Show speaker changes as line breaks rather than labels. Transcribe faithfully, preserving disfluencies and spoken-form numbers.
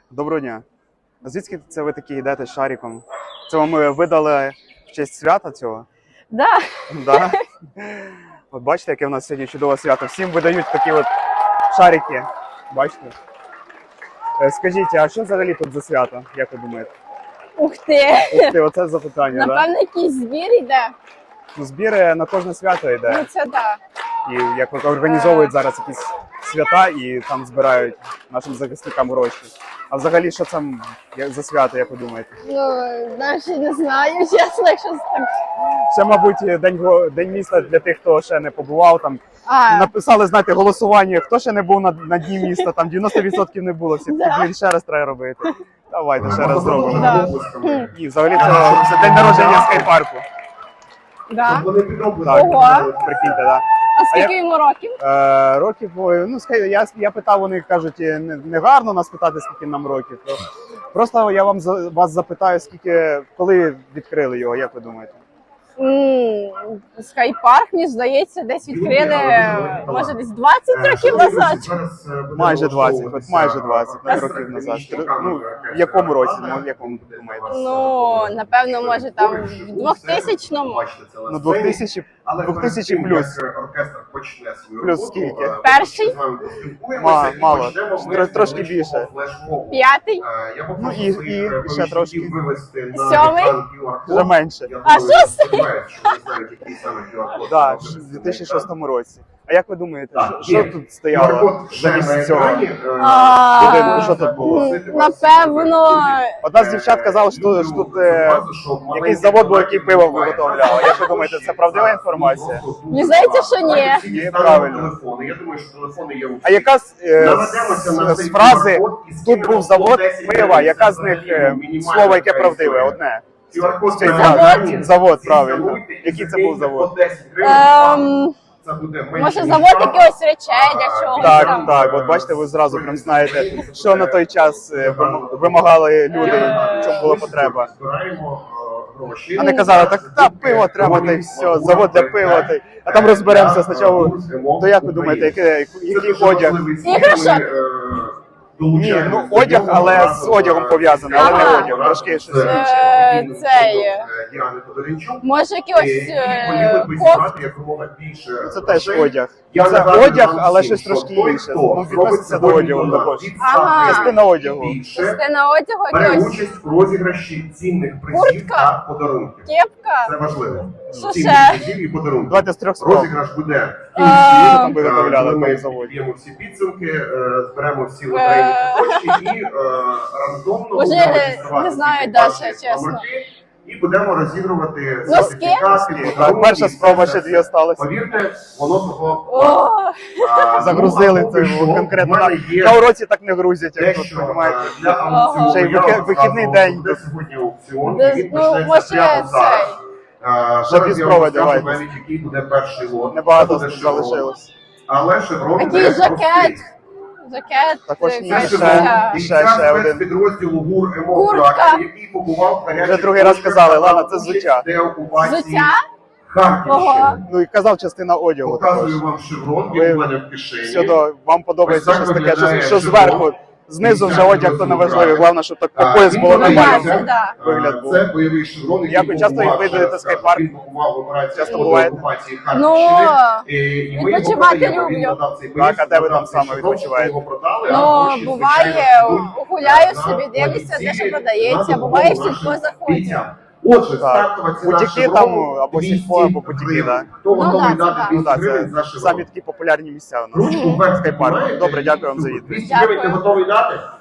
Доброго дня. А звідки це ви такі йдете з шариком? Це вам е, видали в честь свята цього?
Да.
Да? От бачите, яке в нас сьогодні чудове свято. Всім видають такі от шарики. Бачите? Е, Скажіть, а що взагалі тут за свято? Як ви думаєте?
Ух ти.
Ух ти, оце запитання, так? Да?
Напевно, якийсь збір йде.
Ну, збір на кожне свято йде.
Ну це так.
І як от організовують зараз якісь свята і там збирають нашим захисникам гроші. А взагалі, що це як за свято, як ви думаєте?
Ну, навіть не знаю, чесно, якщо так.
Це, мабуть, день, го- день міста для тих, хто ще не побував. Там
А,
написали, знаєте, голосування, хто ще не був на, на дні міста, там дев'яносто відсотків не було, всі
Да.
блін, ще раз треба робити. Давайте ще раз зробимо.
Да.
І взагалі це, це день народження скайпарку.
да.
Так,
Ого.
прикиньте, так.
А скільки йому років?
Е, років, ой, ну скай- я, я питав, вони кажуть, не, не гарно нас питати, скільки нам років. То просто я вам за- вас запитаю, скільки, коли відкрили його, як ви думаєте?
М, Скайпарк, мені здається, десь відкрили, може, десь двадцять років назад.
Майже двадцять, от майже двадцять років назад. Ну, в якому році, ну, в якому думаєте?
Ну, напевно, може, там в двохтисячному.
Ну, двохтисячні, двохтисячні плюс. Плюс скільки?
Перший,
Ма- мало, Тро- трошки більше.
п'ятий,
Ну, і- і ще трошки.
сьомий.
Вже менше.
А шостий?
Так, в дві тисячі шостому році. А як ви думаєте, що, що тут стояло замість цього
А,
будинку? Що тут було?
Напевно,
Одна з дівчат казала, що, що тут е, якийсь завод був, який пиво виготовляв. Як ви думаєте, це правдива інформація?
мені здається, що ні.
Ні, правильно.
Я думаю, що телефони є у
А яка з, е, з, з фрази «тут був завод пива», яка з них е, слово, яке правдиве, одне? З цієї фрази. Завод, правильно. Який це був завод?
Ем, може, завод якихось речей для чогось
Так,
там.
так, от бачите, ви зразу прям знаєте, що на той час е, вим- вимагали люди, в чому була потреба. А не казали, так, та пиво треба, та й все, завод для пива, та й... а там розберемося спочатку. То як ви думаєте, який, який одяг?
Іграшок?
Ні, ну одяг, але з одягом пов'язаний, але не
Ага.
одяг, трошки щось інше.
Е, цей, може, якийсь е, кофт?
Це теж одяг. Це одяг, але щось трошки інше. Ну, відноситься до одягу також.
Ага.
Частина одягу.
Частина одягу,
Бере
якийсь
участь в розіграші цінних призів
Куртка?
та подарунків.
кепка.
Це важливо.
Що
Цінних
ще?
призів і подарунків.
Давайте з трьох спроб.
Розіграш буде в
А,
кінці.
Там виготовляли
Ми
на заводі.
підб'ємо всі підсумки, е, зберемо всі лотерейні куточки і е, рандомно
Може,
будемо
не
реєструвати
знаю,
всі
Даша,
ваші
чесно.
номерки І будемо розігрувати
Носки?
сертифікати.
Так, перша спроба, ще дві осталось.
Повірте, воно того
О,
а,
Загрузили
ну, а поки
це
що
конкретно.
в
На,
мене є
на уроці так не грузять, як тут,
дещо,
розумієте.
а, для аукціону.
Ще й
Я
вики-
вам
вихідний
розказував,
день.
буде сьогодні аукціон,
Де-
і він
ну,
почнеться
може,
прямо зараз.
цей.
А,
Ще
Зараз
дві
я вам
спроби
розкажу
давайте.
навіть, який буде перший лот.
Небагато
Це буде шеврон.
залишилось.
Але шеврон
який
не
жакет.
простий.
Жакет.
Також
е,
ні,
Це
ще-
шеврон
ще-
бійця
ще один.
спецпідрозділу ГУР
Куртка.
«Емофракція», який побував в гарячих
Вже другий раз
точках
казали, ладно,
та
це
участь
взуття.
в деокупації
Взуття?
Харківщини.
Ого.
Ну і казав частина одягу також.
Показую вам шеврон,
Ви-
він у мене в кишені.
Щодо, вам подобається
Ось так
щось таке,
виглядає
що, що
шеврон.
зверху, знизу вже одяг то не важливо, головне, щоб так по
А,
пояс
він
було
буде
нормально.
нормально, да.
Вигляд був.
Це бойовий шеврон, який
Як ви часто
побував
відвідуєте
через,
скайпарк?
Він побував в операції
Часто
по
буваєте?
окупації
Ну,
Харківщини. І- і ми його
відпочивати
продаємо. Він
люблю.
надав цей
Так,
боєць,
а де ви
надав
там
цей
саме
шеврон,
відпочиваєте?
його продали, а
Ну,
гроші,
буває,
звичайно, йдуть
гуляю
на
собі, дивлюся, де
позиції,
що продається,
на
буває в
допомогу
сільпо
нашим
заходять.
бійцям. Отже,
Так.
стартова ціна
Бутіки
шеврону
там, або
двісті
сільпо, або бутіки,
гривень.
да.
Хто
Ну,
готовий
да, це
дати
так.
Ну
двісті
так,
гривень за
це
шеврон?
самі такі популярні місця у нас.
Ручку вверх
Скайпарк.
піднімаєте
Добре,
і
дякую вам за
супер.
відповідь.
двісті гривень ти
Дякую.
готовий дати?